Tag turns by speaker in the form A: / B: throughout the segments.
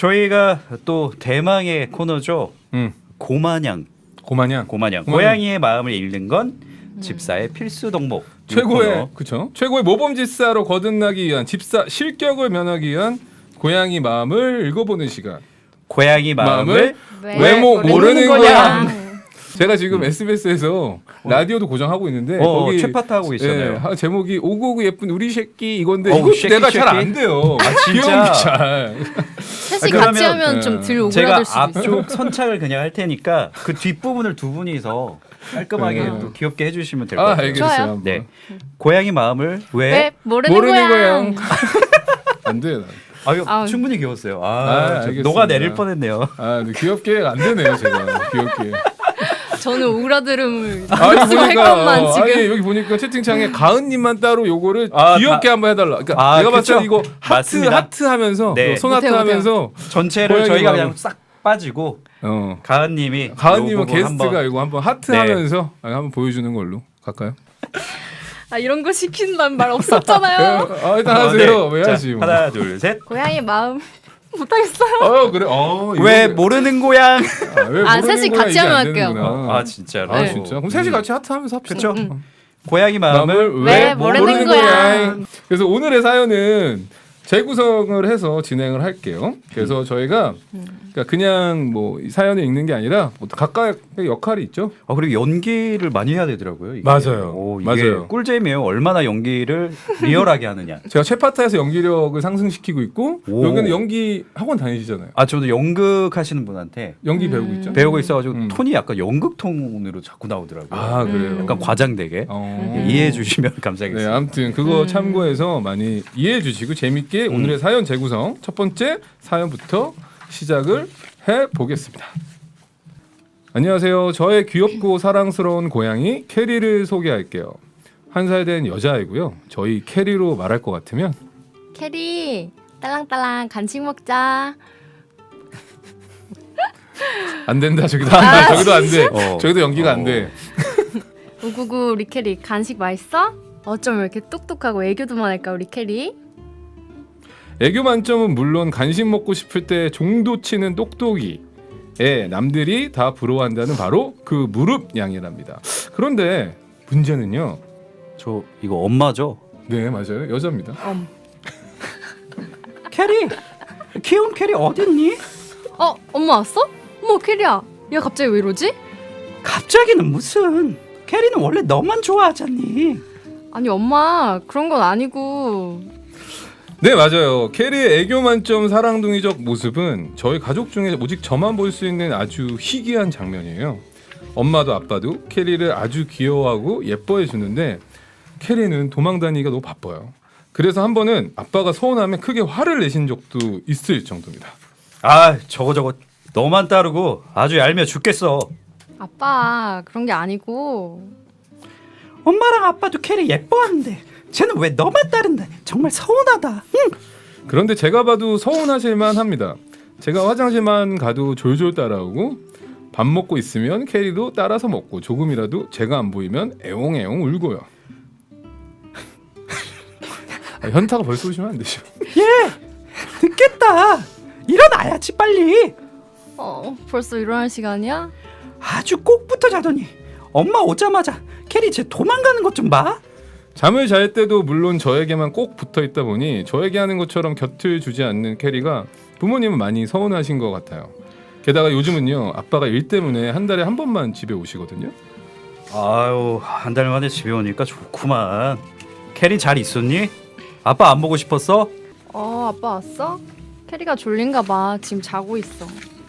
A: 저희가 또 대망의 코너죠. 고마냥. 고양이의 마음을 읽는 건 집사의 필수 덕목.
B: 최고의 모범집사로 거듭나기 위한 집사 실격을 면하기 위한 고양이 마음을 읽어보는 시간.
A: 고양이 마음을
B: 왜 모르는 고양. 제가 지금 SBS에서 라디오도 고정하고 있는데 거기
A: 최파타 하고 있잖아요.
B: 예, 제목이 오고오고 예쁜 우리 새끼 이건데
A: 이거
B: 내가 잘 안 돼요.
A: 진짜.
B: 잘.
C: 셋이 같이 하면 좀 덜 오그라들 수도
A: 제가
C: 있어요.
A: 앞쪽 선착을 그냥 할 테니까 그 뒷부분을 두 분이서 깔끔하게 또 귀엽게 해주시면 될 것 같아요.
B: 알겠어요.
A: 네, 고양이 마음을 왜
C: 모르는 고양.
B: 안 돼.
A: 충분히 귀여웠어요.
B: 알겠습니다.
A: 녹아 내릴 뻔했네요.
B: 귀엽게 안 되네요, 제가. 귀엽게.
C: 저는 오그라들음을
B: 아니
C: 할 것만 지금.
B: 아니 여기 보니까 채팅창에 가은님만 따로 요거를 귀엽게 한번 해달라. 그러니까 내가 봤을 때 이거 하트 하면서
A: 네.
B: 손 하트 하면서
A: 전체를 저희가 그냥 싹 빠지고 가은님은
B: 게스트가 이거 한번 하트 하면서 한번 보여주는 걸로 갈까요?
C: 이런 거 시킨다는 말 없었잖아요.
B: 일단 하세요. 왜 하지? 뭐.
A: 하나 둘 셋.
C: 고양이 마음 못하겠어요.
B: 그래.
A: 왜 모르는 고양?
C: 셋이 같이 하면 할게요.
A: 진짜로.
B: 진짜. 그럼 셋이 같이 하트하면서 합시다.
A: 그렇죠. 고양이 마음을
C: 왜 모르는 고양?
B: 그래서 오늘의 사연은 재구성을 해서 진행을 할게요. 그래서 저희가 그냥 뭐 사연을 읽는 게 아니라 각각의 역할이 있죠.
A: 그리고 연기를 많이 해야 되더라고요. 이게.
B: 맞아요.
A: 이게
B: 맞아요.
A: 꿀잼이에요. 얼마나 연기를 리얼하게 하느냐.
B: 제가 최파타에서 연기력을 상승시키고 있고 여기는 연기 학원 다니시잖아요.
A: 저도 연극 하시는 분한테
B: 연기 배우고 있죠.
A: 배우고 있어가지고 톤이 약간 연극 톤으로 자꾸 나오더라고요.
B: 그래요.
A: 약간 과장되게 이해해 주시면 감사하겠습니다.
B: 네, 아무튼 그거 참고해서 많이 이해해 주시고 재밌게 오늘의 사연 재구성 첫 번째 사연부터 시작을 해보겠습니다. 안녕하세요. 저의 귀엽고 사랑스러운 고양이 캐리를 소개할게요. 1살 된 여자아이고요. 저희 캐리로 말할 것 같으면
C: 캐리 딸랑딸랑 간식 먹자.
B: 안 된다. 저기도 저기도 안 돼. 저기도 연기가 안 돼.
C: 우구구 우리 캐리 간식 맛있어? 어쩜 이렇게 똑똑하고 애교도 많을까 우리 캐리?
B: 애교 만점은 물론 간식 먹고 싶을 때 종도 치는 똑똑이. 남들이 다 부러워한다는 바로 그 무릎 양이랍니다. 그런데 문제는요.
A: 저 이거 엄마죠?
B: 네, 맞아요. 여자입니다.
A: 캐리, 귀여운 캐리 어딨니?
C: 엄마 왔어? 어머 캐리야, 얘 갑자기 왜 이러지?
A: 갑자기는 무슨? 캐리는 원래 너만 좋아하잖니.
C: 아니 엄마 그런 건 아니고.
B: 네, 맞아요. 캐리의 애교 만점 사랑둥이적 모습은 저희 가족 중에 오직 저만 볼 수 있는 아주 희귀한 장면이에요. 엄마도 아빠도 캐리를 아주 귀여워하고 예뻐해 주는데 캐리는 도망다니기가 너무 바빠요. 그래서 한 번은 아빠가 서운하면 크게 화를 내신 적도 있을 정도입니다.
A: 저거 너만 따르고 아주 얄미워 죽겠어.
C: 아빠 그런 게 아니고.
A: 엄마랑 아빠도 캐리 예뻐하는데 쟤는 왜 너만 따른다. 정말 서운하다.
B: 그런데 제가 봐도 서운하실만 합니다. 제가 화장실만 가도 졸졸 따라오고 밥 먹고 있으면 캐리도 따라서 먹고 조금이라도 제가 안 보이면 애옹애옹 울고요. 현타가 벌써 오시면 안 되죠.
A: 듣겠다. 일어나야지 빨리.
C: 벌써 일어날 시간이야?
A: 아주 꼭부터 자더니 엄마 오자마자 캐리 쟤 도망가는 것 좀 봐.
B: 잠을 잘 때도 물론 저에게만 꼭 붙어있다 보니 저에게 하는 것처럼 곁을 주지 않는 캐리가 부모님은 많이 서운하신 것 같아요. 게다가 요즘은요 아빠가 일 때문에 한 달에 한 번만 집에 오시거든요.
A: 한 달 만에 집에 오니까 좋구만. 캐리 잘 있었니? 아빠 안 보고 싶었어?
C: 아빠 왔어? 캐리가 졸린가 봐. 지금 자고 있어.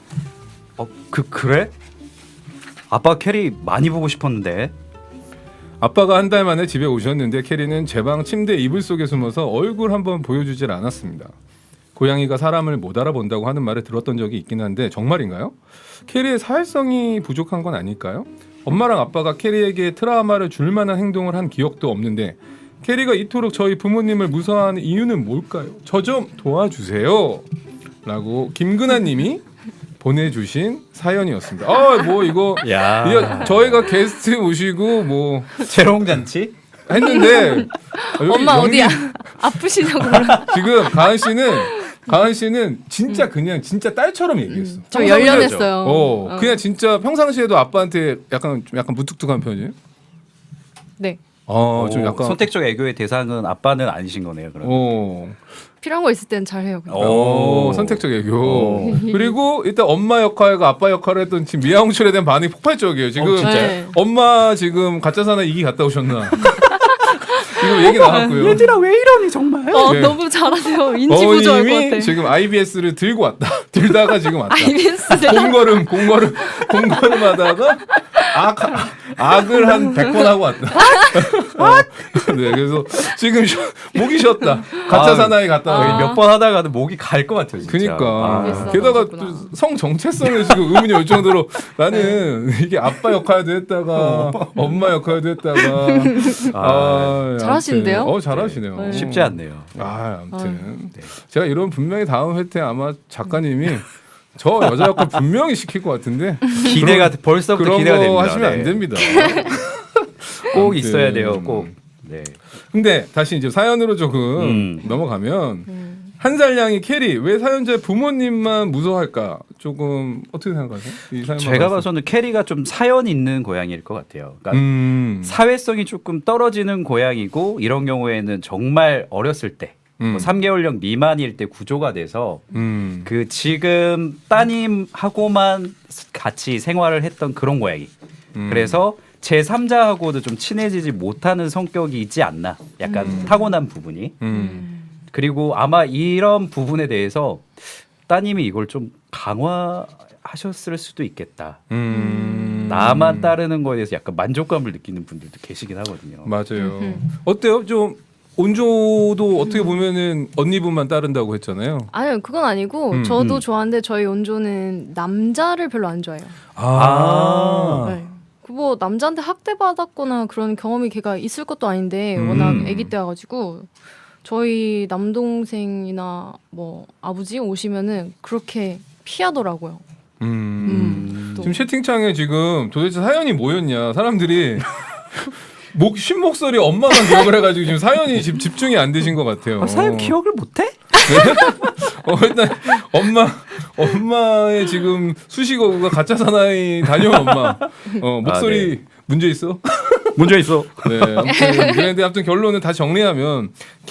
A: 그래? 아빠 캐리 많이 보고 싶었는데.
B: 아빠가 한 달 만에 집에 오셨는데 캐리는 제 방 침대 이불 속에 숨어서 얼굴 한번 보여주질 않았습니다. 고양이가 사람을 못 알아본다고 하는 말을 들었던 적이 있긴 한데 정말인가요? 캐리의 사회성이 부족한 건 아닐까요? 엄마랑 아빠가 캐리에게 트라우마를 줄 만한 행동을 한 기억도 없는데 캐리가 이토록 저희 부모님을 무서워하는 이유는 뭘까요? 저 좀 도와주세요 라고 김근아님이 보내주신 사연이었습니다. 이거 저희가 게스트 모시고 뭐
A: 재롱잔치
B: 했는데
C: 엄마 어디야? 아프시냐고.
B: 지금 가은 씨는 가은 씨는 진짜 그냥 진짜 딸처럼 얘기했어.
C: 저
B: 평상시에도-
C: 열연했어요.
B: 그냥 진짜 평상시에도 아빠한테 약간 좀 약간 무뚝뚝한 편이에요.
C: 네.
B: 좀 약간
A: 선택적 애교의 대상은 아빠는 아니신 거네요. 그럼.
C: 필요한 거 있을 땐 잘해요. 그냥.
B: 선택적 애교. 그리고 일단 엄마 역할과 아빠 역할을 했던 지금 미아홍철에 대한 반응이 폭발적이에요. 지금
A: 진짜요?
C: 네.
B: 엄마 지금 가짜 사나이 2기 갔다 오셨나? 지금 얘기 나왔고요.
A: 얘들아 왜 이러니 정말?
B: 네.
C: 너무 잘하세요. 인지 부조할 것
B: 어머님이
C: 같아.
B: 지금 IBS를 들고 왔다. 들다가 지금 왔다.
C: IBS
B: 공걸음하다가 악을 한 100번 하고 왔다. 네, 그래서 지금 목이 쉬었다. 가짜 사나이 갔다 와.
A: 몇 번 하다가는 목이 갈 것 같아요. 진짜.
B: 그니까
C: 알겠어.
B: 게다가
C: 그렇구나.
B: 또 성 정체성을 지금 의문이 올 정도로 나는 이게 아빠 역할도 했다가 엄마 역할도 했다가
C: 잘하시는데요?
B: 아무튼, 잘하시네요.
C: 네.
A: 쉽지 않네요.
B: 아무튼 제가 이런 분명히 다음 회 때 아마 작가님이 저 여자 역할 분명히 시킬 것 같은데
A: 기대가 벌써부터
B: 그런
A: 기대가
B: 거
A: 됩니다.
B: 하시면
A: 네.
B: 안 됩니다.
A: 꼭
B: 아무튼.
A: 있어야 돼요. 꼭. 네.
B: 근데 다시 이제 사연으로 조금 넘어가면 한 살량이 캐리 왜 사연자의 부모님만 무서워할까? 조금 어떻게 생각하세요? 이 사연
A: 제가 봐서는 캐리가 좀 사연 있는 고양이일 것 같아요. 그러니까 사회성이 조금 떨어지는 고양이고 이런 경우에는 정말 어렸을 때 뭐 3개월령 미만일 때 구조가 돼서 그 지금 따님하고만 같이 생활을 했던 그런 고양이. 그래서 제 3자하고도 좀 친해지지 못하는 성격이 있지 않나. 약간 타고난 부분이. 그리고 아마 이런 부분에 대해서 따님이 이걸 좀 강화하셨을 수도 있겠다. 나만 따르는 거에 대해서 약간 만족감을 느끼는 분들도 계시긴 하거든요.
B: 맞아요. 어때요? 좀 온조도 어떻게 보면은 언니분만 따른다고 했잖아요.
C: 아니요, 그건 아니고 저도 좋아하는데 저희 온조는 남자를 별로 안 좋아해요.
B: 아.
C: 네. 뭐 남자한테 학대받았거나 그런 경험이 걔가 있을 것도 아닌데 워낙 아기 때여가지고 저희 남동생이나 뭐 아버지 오시면은 그렇게 피하더라고요. 또.
B: 지금 채팅창에 지금 도대체 사연이 뭐였냐 사람들이 쉰 목소리 엄마만 기억을 해가지고 지금 사연이 지금 집중이 안 되신 것 같아요.
A: 사연 기억을 못해?
B: 일단 엄마의 지금 수식어가 가짜 사나이 다녀온 엄마. 목소리 문제 있어?
A: 문제 있어.
B: 네. 아무튼 결론은 다 정리하면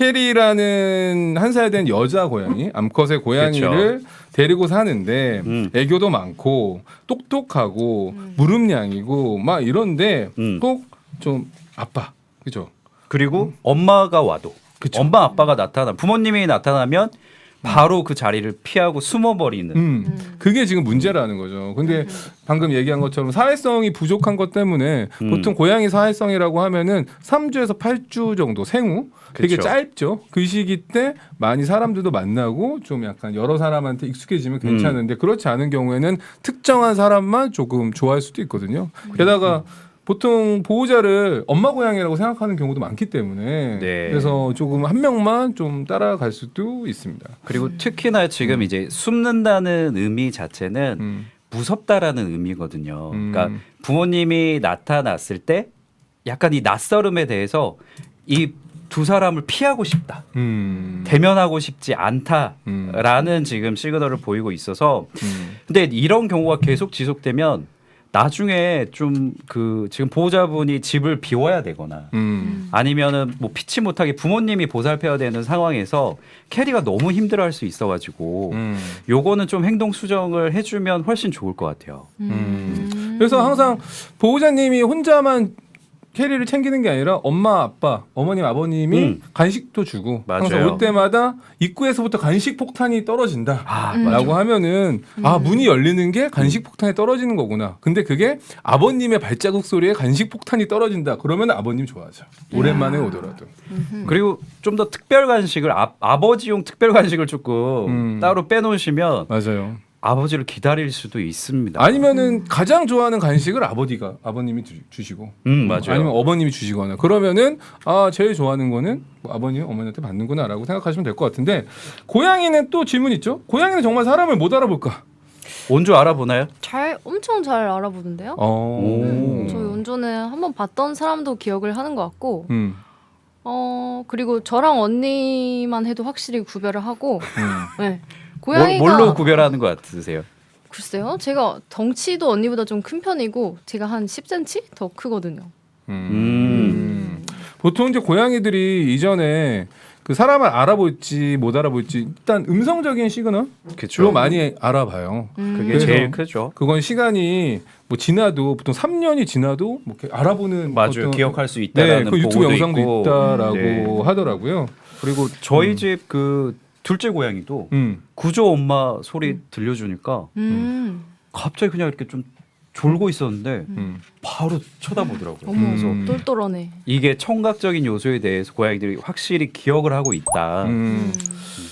B: 캐리라는 한 살 된 여자 고양이, 암컷의 고양이를
A: 그쵸.
B: 데리고 사는데 애교도 많고 똑똑하고 무릎냥이고 막 이런데 꼭 좀 아빠, 그죠?
A: 그리고 엄마가 와도
B: 그쵸.
A: 엄마 아빠가 나타나 부모님이 나타나면 바로 그 자리를 피하고 숨어버리는.
B: 그게 지금 문제라는 거죠. 근데 방금 얘기한 것처럼 사회성이 부족한 것 때문에 보통 고양이 사회성이라고 하면은 3주에서 8주 정도 생후 되게
A: 그쵸.
B: 짧죠. 그 시기 때 많이 사람들도 만나고 좀 약간 여러 사람한테 익숙해지면 괜찮은데 그렇지 않은 경우에는 특정한 사람만 조금 좋아할 수도 있거든요. 게다가 보통 보호자를 엄마 고양이라고 생각하는 경우도 많기 때문에
A: 네.
B: 그래서 조금 한 명만 좀 따라갈 수도 있습니다.
A: 그리고 특히나 지금 이제 숨는다는 의미 자체는 무섭다라는 의미거든요. 그러니까 부모님이 나타났을 때 약간 이 낯설음에 대해서 이 두 사람을 피하고 싶다. 대면하고 싶지 않다라는 지금 시그널을 보이고 있어서 근데 이런 경우가 계속 지속되면 나중에 좀 그 지금 보호자분이 집을 비워야 되거나 아니면은 뭐 피치 못하게 부모님이 보살펴야 되는 상황에서 캐리가 너무 힘들어할 수 있어가지고 요거는 좀 행동 수정을 해주면 훨씬 좋을 것 같아요.
B: 그래서 항상 보호자님이 혼자만 캐리를 챙기는 게 아니라 엄마, 아빠, 어머님, 아버님이 간식도 주고
A: 맞아요.
B: 항상 올 때마다 입구에서부터 간식 폭탄이 떨어진다. 라고 하면은 문이 열리는 게 간식 폭탄이 떨어지는 거구나. 근데 그게 아버님의 발자국 소리에 간식 폭탄이 떨어진다. 그러면 아버님 좋아하죠. 오랜만에 오더라도.
A: 그리고 좀 더 특별 간식을 아버지용 특별 간식을 조금 따로 빼놓으시면
B: 맞아요.
A: 아버지를 기다릴 수도 있습니다.
B: 아니면은 가장 좋아하는 간식을 아버님이 주시고
A: 맞아요.
B: 아니면 어머님이 주시거나 그러면은 제일 좋아하는 거는 뭐 아버님 어머니한테 받는구나라고 생각하시면 될 것 같은데 고양이는 또 질문 있죠. 고양이는 정말 사람을 못 알아볼까?
A: 온조 알아보나요?
C: 엄청 잘 알아보던데요.
B: 오.
C: 저희 온조는 한번 봤던 사람도 기억을 하는 것 같고 그리고 저랑 언니만 해도 확실히 구별을 하고 네.
A: 뭘,
C: 고양이가
A: 뭘로 구별하는 것 같으세요?
C: 글쎄요. 제가 덩치도 언니보다 좀 큰 편이고 제가 한 10cm 더 크거든요.
B: 보통 이제 고양이들이 이전에 그 사람을 알아볼지 못 알아볼지 일단 음성적인 시그널로
A: 그쵸.
B: 많이 알아봐요.
A: 그게
B: 그래서
A: 제일 크죠.
B: 그건 시간이 뭐 지나도 보통 3년이 지나도 뭐 이렇게 알아보는
A: 맞아요.
B: 어떤
A: 기억할 수
B: 네,
A: 있다라는
B: 그 유튜브
A: 보고도
B: 영상도
A: 있고.
B: 있다라고
A: 네.
B: 하더라고요.
A: 그리고 저희 집 그 둘째 고양이도 구조 엄마 소리 들려주니까 갑자기 그냥 이렇게 좀 졸고 있었는데 바로 쳐다보더라고요.
C: 어머,
A: 그래서
C: 똘똘하네.
A: 이게 청각적인 요소에 대해서 고양이들이 확실히 기억을 하고 있다.
B: 음.